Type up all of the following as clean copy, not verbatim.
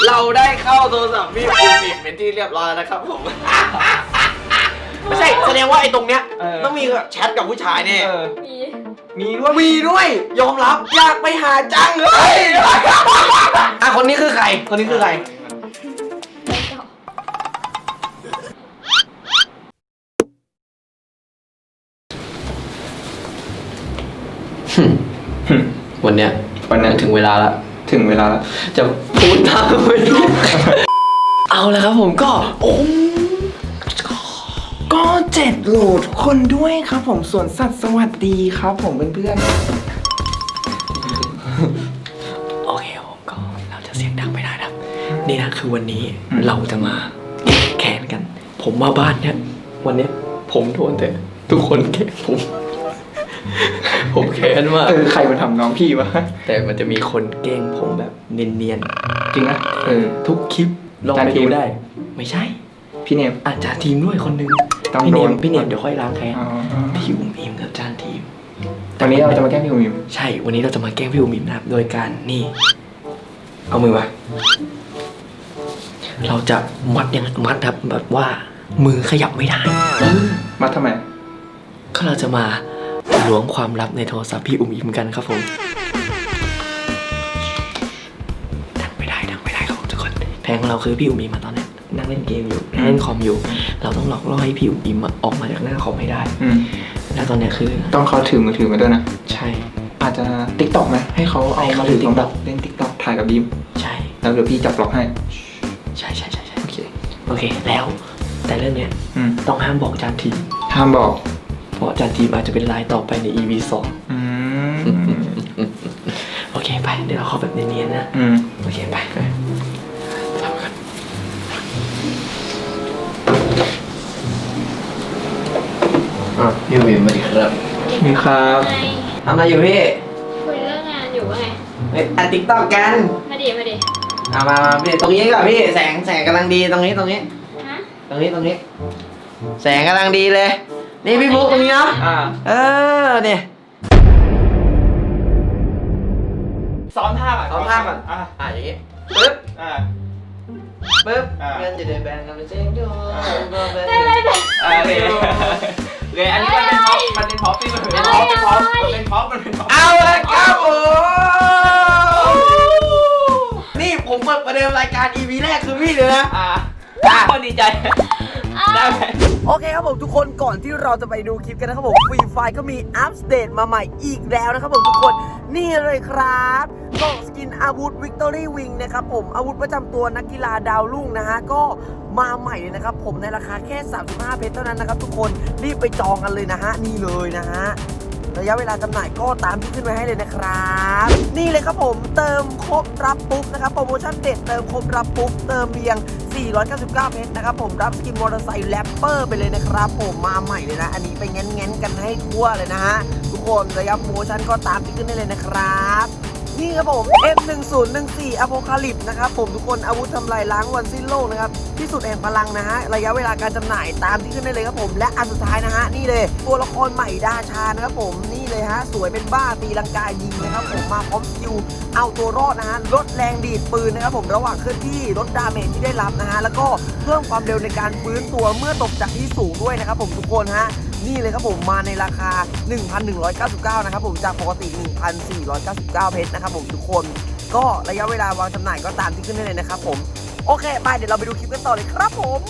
เราได้เข้าโทรศัพท์พี่ภูมิเป็นที่เรียบร้อยแล้วนะครับผมไม่ใช่แสดงว่าไอ้ตรงเนี้ยต้องมีแชทกับผู้ชายเนี่ยมีด้วยยอมรับอยากไปหาจังเลยอ่ะคนนี้คือใครวันเนี้ยถึงเวลาแล้วจะพูดตามไปเอาแล้วครับผมก็ 7 โหลดคนด้วยครับผมสวนสัตว์สวัสดีครับผมเพื่อนโอเคผมก็เราจะเสียงดังไม่ได้นะนี่นะคือวันนี้เราจะมาแข่งกันผมมาบ้านเนี่ยวันเนี้ยผมโดนแต่ทุกคนแกล้งผมแค้นมากใครมาทำน้องพี่วะแต่มันจะมีคนแกล้งผมแบบเนียนๆจริงนะทุกคลิปลองไปดูได้ไม่ใช่พี่เนมอาจารย์ทีมด้วยคนนึงพี่เนมเดี๋ยวค่อยล้างแค้นพี่อุ้มอิมกับอาจารย์ทีมวันนี้เราจะมาแกล้งพี่อุ้มอิมใช่วันนี้เราจะมาแกล้งพี่อุ้มอิมนะครับโดยการนี่เอามือมาเราจะมัดครับแบบว่ามือขยับไม่ได้มัดทำไมก็เราจะมาล้วงความลับในโทรศัพท์พี่อุ้มอิมกันครับผมดังไม่ได้ครับทุกคนแผนของเราคือพี่อุ้มอิมมาตอนนี้นั่งเล่นเกมอยู่นั่งเล่นคอมอยู่เราต้องหลอกล่อให้พี่อุ้มอิมออกมาจากหน้าคอมให้ได้แล้วตอนนี้คือต้องเขาถือมือถือมาด้วยนะใช่อาจจะ TikTok ไหมให้เขาเอามาถือTikTokเล่น TikTok ถ่ายกับยิ้มใช่แล้วเดี๋ยวพี่จับล็อกให้ใช่โอเคแล้วแต่เรื่องเนี้ยต้องห้ามบอกอาจารย์ทีห้ามบอกเพราะอาจารย์ทีอาจจะเป็นรายต่อไปใน EP 2โอเคไปเดี๋ยวเราเข้าแบบเนียนๆนะโอเคไปทำกันพี่วิมมาดีครับมีครับทำอะไรอยู่พี่คุยเรื่องงานอยู่ว่าไงอัดติ๊กต็อกกันมาดิมาพี่ตรงนี้ก่อนพี่แสงกำลังดีตรงนี้ฮะตรงนี้แสงกำลังดีเลยนี่พี่บุ๊กตรงนี้เนาะเนี่ยซ้อมท่าก่อนอย่างงี้ปึ๊บเงินจะเดินแบนกันเป็นเส้นโยเลยอันนี้มันเป็นพ็อปที่มันเป็นพ็อปเอาเลยครับนี่ผมเปิดประเดิมรายการ EP แรกคือพี่เลยนะคนดีใจได้ไหมโอเคครับผมทุกคนก่อนที่เราจะไปดูคลิปกันนะครับผมฟรีไฟก็มีอัปเดตมาใหม่อีกแล้วนะครับผมทุกคนนี่เลยครับกล่องสกินอาวุธ Victory Wing นะครับผมอาวุธประจำตัวนักกีฬาดาวรุ่งนะฮะก็มาใหม่เลยนะครับผมในราคาแค่35เพชรเท่านั้นนะครับทุกคนรีบไปจองกันเลยนะฮะนี่เลยนะฮะระยะเวลาจำหน่ายก็ตามที่ขึ้นไว้ให้เลยนะครับนี่เลยครับผมเติมครบรับปุ๊บนะครับโปรโมชั่นเด็ดเติมครบรับปุ๊บเติมเพียง499เพชรนะครับผมรับสกินมอเตอร์ไซค์แรปเปอร์ไปเลยนะครับผมมาใหม่เลยนะอันนี้ไปแง้นกันให้ทั่วเลยนะฮะทุกคนระยะโปรโมชั่นก็ตามที่ขึ้นได้เลยนะครับนี่ครับผม F1014 Apocalypse นะครับผมทุกคนอาวุธทำลายล้างวันสิ้นโลกนะครับที่สุดแห่งพลังนะฮะระยะเวลาการจำหน่ายตามที่ขึ้นได้เลยครับผมและอันสุดท้ายนะฮะนี่เลยตัวละครใหม่ดาชานะครับผมนี่เลยฮะสวยเป็นบ้าตีลังกายิงนะครับผมมาพร้อมสกิลเอาตัวรอดนะฮะลดแรงดีดปืนนะครับผมระหว่างเคลื่อนที่ลดดาเมจที่ได้รับนะฮะแล้วก็เพิ่มความเร็วในการฟื้นตัวเมื่อตกจากที่สูงด้วยนะครับผมทุกคนฮะนี่เลยครับผมมาในราคา 1,199 นะครับผมจากปกติ 1,499 เพชรนะครับผมทุกคนก็ระยะเวลาวางจำหน่ายก็ตามที่ขึ้นได้เลยนะครับผมโอเคไปเดี๋ยวเราไปดูคลิปกันต่อเลยครับผม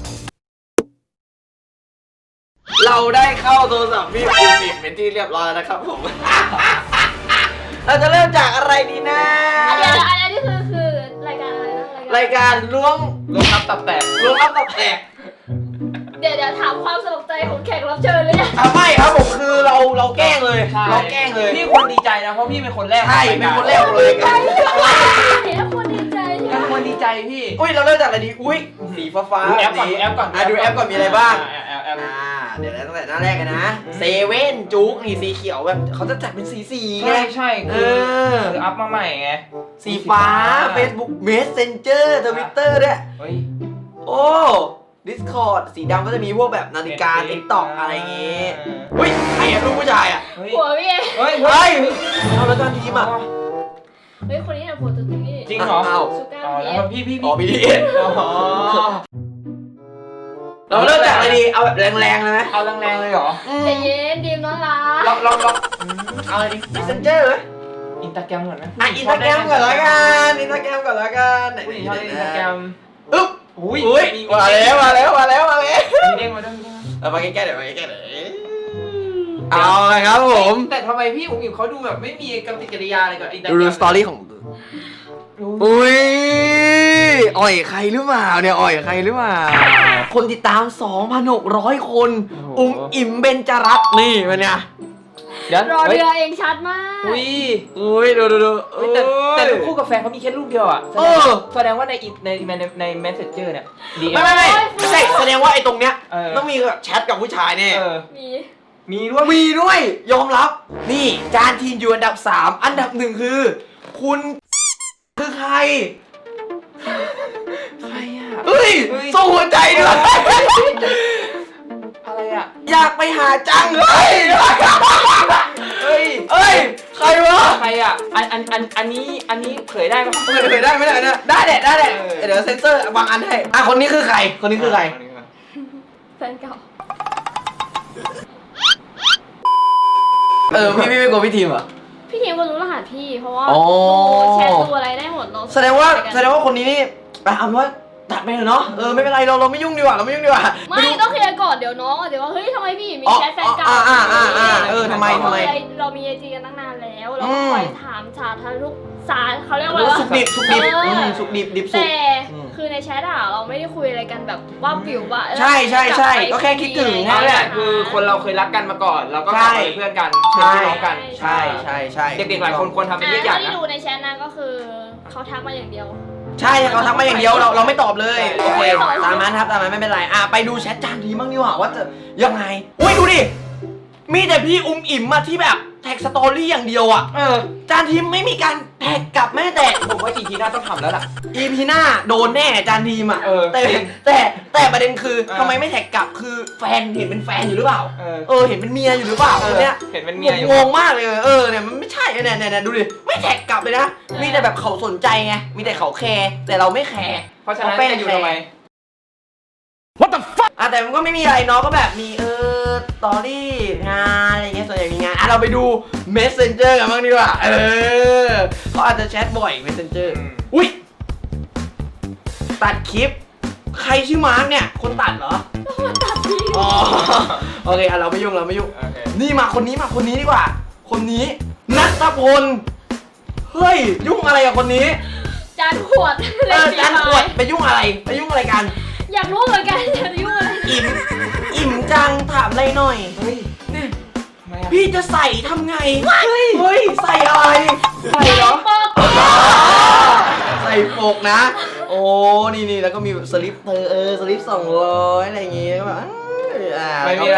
เราได้เข้าโทรศัพท์พี่ภูมิเป็นที่เรียบร้อยนะครับผมเราจะเริ่มจากอะไรดีนะเดี๋ยวอันนี้คือรายการอะไรนะรายการล้วงลับตับแตกเดี๋ยวถามความสมัครใจของแขกรับเชิญเลยนะไม่ครับผมคือเราแกล้งเลยพี่ควรดีใจนะเพราะพี่เป็นคนแรกใช่เป็นคนแรกเลยแล้วคนดีใจพี่อุ้ยเราเริ่มจากอะไรดีอุ้ยสีฟ้าดูแอปก่อนดูแอปก่อนมีอะไรบ้างเดี๋ยวตั้งแต่หน้าแรกกันนะเซเว่นจุ๊กนี่สีเขียวแบบเขาจะจัดเป็นสีไงใช่คืออัพมาใหม่ไงสีฟ้า Facebook Messenger Twitter ด้วยโอ้ Discord สีดำก็จะมีพวกแบบนาฬิกา TikTok อะไรอย่างงี้อุ้ยใครอะลูกผู้ชายอะหัวพี่เฮ้ยเอาแล้วตอนทีมอะเฮ้ยคนนี้นะหัวตัวนี้จริงเหรออ้าวสุก้าอ๋อพีแล้วเอสพี่อ๋อ BTS อ๋อเราเริ่มจากอะไรดีเอาแบบแรงๆเลยไหมเอาแรงๆเลยเหรอใจเย็นดีมน้องรักลองเอาอะไรดิ Messenger ไหมอินสตาแกรมก่อนไหมอ่ะอินสตาแกรมก่อนละกันอินสตาแกรมก่อนละกันไหนผู้หญิงชอบเล่นอินสตาแกรมอึ๊บอุ้ยอุ้ยมาแล้วมาแล้วมาแล้วมาแล้วมีเด้งมาด้วยมีเด้งมาเอามาใกล้ๆเดี๋ยวมาใกล้ๆเดี๋ยวเอาละครับผมแต่ทำไมพี่อุ๋งอิ๋วเขาดูแบบไม่มีกำติกริยาอะไรกับอินสตาแกรดูมสตอรี่ของอุ้ยอ่อยใครหรือเปล่าเนี่ยอ่อยใครหรือเปล่าคนติดตาม 2,600 คนอิ่มเบญจรัตน์นี่มันเนี่ยเดี๋ยวรอเรือเองชัดมากอุ้ยอุ้ยดูเฮ้ยแต่รูปคู่กับแฟนเขามีแค่รูปเดียวอ่ะแสดงว่าใน Messenger เนี่ยดีไม่ใช่แสดงว่าไอ้ตรงเนี้ยเออต้องมีแบบแชทกับผู้ชายเนี่ยมีมีด้วยมีด้วยยอมรับ นี่จานทีมอยู่อันดับ 3 อันดับ 1 คือ คุณคือใครใครอ่ะเฮ้ยส่งหัวใจด้วยอะไรอ่ะอยากไปหาจังเฮ้ยเฮ้ยเอ้ยใครวะใครอ่ะอันนี้เผยได้ปะเผยได้ไม่ได้นะได้แหละเดี๋ยวเซ็นเซอร์บางอันให้อ่ะคนนี้คือใครคนนี้คือใครแฟนเก่าพี่ไม่กลัวพี่ทีมเหรอพี่ทีมก็รู้รหัสพี่เพราะว่าอ๋อแชทดูอะไรได้หมดเนาะแสดงว่าคนนี้นี่เอาเป็นว่าตัดไปเถอะเนาะไม่เป็นไรเราไม่ยุ่งดีกว่าไม่ต้องเคลียร์ก่อนเดี๋ยวน้องเดี๋ยวว่าเฮ้ยทำไมพี่มีแชทแฟนเก่าทำไมเรามีไอจีกันตั้งนานแล้วเราก็คอยถามสารทุกสารเขาเรียกว่าสุกดิบสุกดิบแต่คือในแชทอะเราไม่ได้คุยอะไรกันแบบว่าปิวว่าใช่ก็แค่คิดถึงนั่นแหละคือคนเราเคยรักกันมาก่อนแล้วก็กลับมาเป็นเพื่อนกันเป็นพี่น้องกันใช่เด็กๆหลายคนควรทำเป็นเยี่ยงอย่างที่นะดูในแชทนะก็คือเขาทักมาอย่างเดียวใช่เขาทักมาอย่างเดียวเราไม่ตอบเลยโอเคตามนั้นครับตามนั้นไม่เป็นไรไปดูแชทจานทีบ้างดีกว่าว่าจะยังไงอุ้ยดูดิมีแต่พี่อิ่มมาที่แบบแท็กสตอรี่อย่างเดียวอ่ะจานทีมไม่มีการแท็กกลับแม้แต่ผมว่าอีพีหน้าต้องทำแล้วล่ะ EP หน้าโดนแน่จานทีมอ่ะแต่ประเด็นคือทำไมไม่แท็กกลับคือแฟนเห็นเป็นแฟนอยู่หรือเปล่าเห็นเป็นเมียอยู่หรือเปล่าคนเนี้ยเห็นเป็นเมียอยู่งงมากเลยเนี่ยมันไม่ใช่เนี่ยดูดิไม่แท็กกลับเลยนะมีแต่แบบเขาสนใจไงมีแต่เขาแคร์แต่เราไม่แคร์เพราะฉะนั้นจะอยู่ทำไมแต่มันก็ไม่มีอะไรเนาะก็แบบมีสตอรี่งานอะไรเงี้ยส่วนใหญ่มีงานเราไปดู Messenger กันบ้างดีกว่าเขาอาจจะแชทบ่อย Messenger อุ้ยตัดคลิปใครชื่อมาร์กเนี่ยคนตัดเหรออ๋อโอเคเราไม่ยุ่งนี่มาคนนี้ดีกว่าคนนี้ณัฐพลเฮ้ยยุ่งอะไรกับคนนี้จานขวดจานขวดไปยุ่งอะไรกันอยากรู้เหมือนกันอยากรู้อะไรอิ่มจังถามอะไรหน่อยเฮ้ยเนี่ยทำไมอ่ะพี่จะใส่ทำไงเฮ้ยใส่อะไรใส่เหรอใส่ปกนะ โอ้นี่แล้วก็มีสลิปสลิป200อะไรอย่างงี้แบบไม่มีอะไร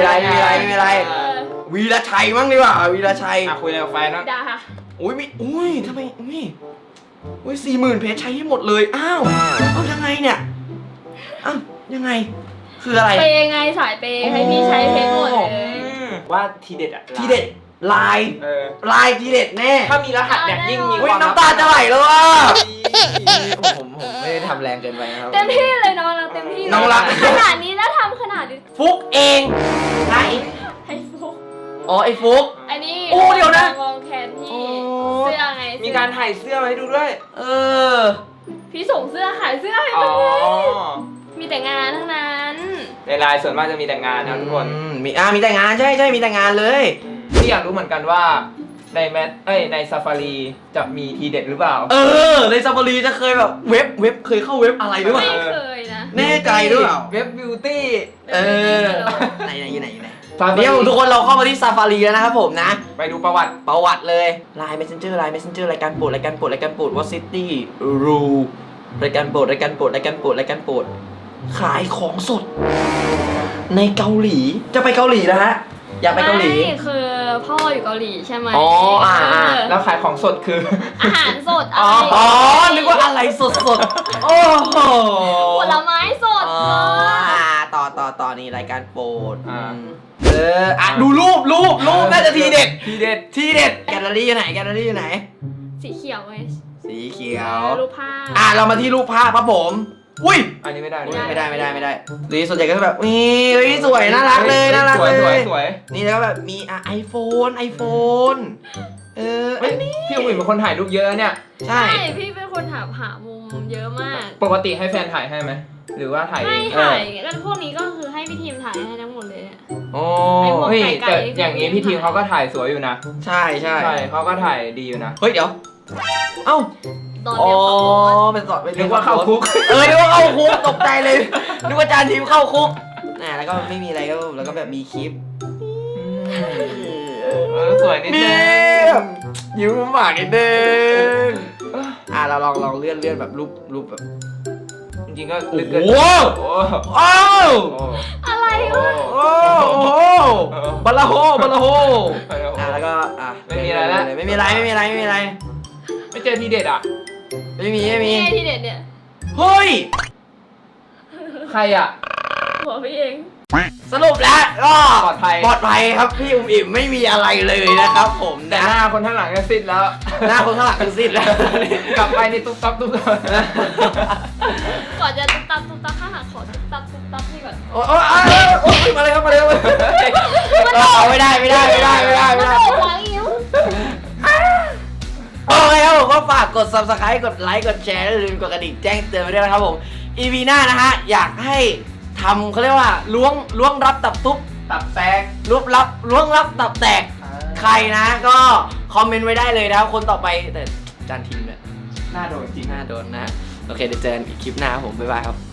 วีรชัยมั้งดีกว่าวีรชัยคุยอะไรกับแฟนนะด่าอุ้ยทำไมอุ้ย40,000เพจใช้ให้หมดเลยอ้าวเอายังไงเนี่ยอ้าวยังไงคืออะไรเปย์ไงสายเปย์ให้พี่ใช้เพชรหมดเลยว่าทีเด็ดอ่ะทีเด็ดลายทีเด็ดแน่ถ้ามีรหัสเนี่ยยิ่งมีความน้ำตาจะไหลแล้วอ่ะผมไม่ได้ทำแรงเกินไปนะครับเต็มที่เลยน้องรักเต็มที่เลยน้องรักขนาดนี้แล้วทำขนาดนี้ฟุกเองไหนให้ฟุกอ๋อไอ้ฟุกอันนี้โอ้เดี๋ยวนะลองแขนพี่เสื้อไงมีการถ่ายเสื้อมาให้ดูด้วยพี่ส่งเสื้อขายเสื้อให้อ๋มัอนเลยมีแต่งานทั้งนั้นในไลน์ส่วนมากจะมีแต่งานนะทุกคนมีแต่งานใช่มีแต่งานเลยพี่อยากรู้เหมือนกันว่าในในซาฟารีจะมีทีเด็ดหรือเปล่าในซาฟารีจะเคยแบบเว็บเคยเข้าเว็บอะไรหรือเปล่าไม่เคยนะแน่ใจหรือเปล่าเว็บบิวตี้ไหนอยู่ไหนเดี๋ยวทุกคนเราเข้ามาที่ซาฟารีแล้วนะครับผมนะไปดูประวัติเลยไลน์ Messenger รายการโปรดวอซิตี้รูรายการโปรดขายของสดในเกาหลีจะไปเกาหลีนะฮะอยากไปเกาหลีไม่คือพ่ออยู่เกาหลีใช่ไหมแล้วขายของสดคืออาหารสดนึกว่าอะไรสดโอ้โหผลไม้สดต่อนี่รายการโปรดดูรูปน่าจะทีเด็ดแกลเลอรี่อยู่ไหนสีเขียวไงสีเขียวรูปภาพเรามาที่รูปภาพครับผมอุ้ยอันนี้ไม่ได้ไม่ได้นี่ส่วนใหญ่ก็จะแบบนี่เฮ้ยสวยน่ารักเลยน่ารักสวยเลยสวยนี่แล้วก็แบบมีไอโฟนอันนี้พี่อุ้ยเป็นคนถ่ายรูปเยอะเนี่ยใช่พี่เป็นคนหามุมเยอะมากปกติให้แฟนถ่ายให้ไหมหรือว่าถ่ายเอไม่งถ่ายก็พวกนี้ก็คือให้พี่ทีมถ่ายให้ทั้งหมดเลยเนี่ยโอ้เฮ้ยแต่อย่างนี้พี่ทีมเขาก็ถ่ายสวยอยู่นะใช่ใช่ใช่เขาก็ถ่ายดีอยู่นะเฮ้ยเดี๋ยวเอ้าตอนอ๋อเนี้ยเขาบอกว่าเป็นสอนเป็นนึกว่าเข้าคุกนึกว่าเข้าคุกตกใจเลยนึกว่าจานทีมเข้าคุกแล้วก็ไม่มีอะไรก็แล้วก็แบบมีคลิปสวยนิดนึนี่งยิ้มหมากนิดนึงเราลองเลื่อนแบบรูปแบบจริงๆก็โอ้ลึกโหเกินโอ้อะไรวะโอ้โหบลาโฮแล้วก็ไม่มีอะไรไม่เจอทีเด็ดอ่ะไม่มีนี่ไงที่เด็ดเนี่ยเฮ้ยใครอ่ะหัวพี่เองสรุปแล้วก็ปลอดภัยครับพี่อุ้มอิ่มไม่มีอะไรเลยนะครับผมแต่นะหน้าคนข้างหลังก็สิ้นแล้วหน้าคนข้างหลังคือสิ้นแล้วกลับไปนี่ตุ๊บตับก่อนจะตุ๊บตับข้างหลังขอตุ๊บตับนี่ก่อนโอ้ยมาเลยครับเอาไม่ได้มันโดดหลังอิ๋วโอเคครับผมก็ฝากกด subscribe กดไลค์กดแชร์และอย่าลืมกดกระดิ่งแจ้งเตือนไปด้วยนะครับผม EP หน้านะฮะอยากให้ทำเขาเรียกว่าล้วงรับตับทุบตับแตกล้วงรับตับแตกใครนะก็คอมเมนต์ไว้ได้เลยนะครับคนต่อไปแต่จานทีมเนี่ยหน้าโดนจริงน่าโดนนะโอเคเดี๋ยวเจอกันอีกคลิปหน้าครับผมบ๊ายบายครับ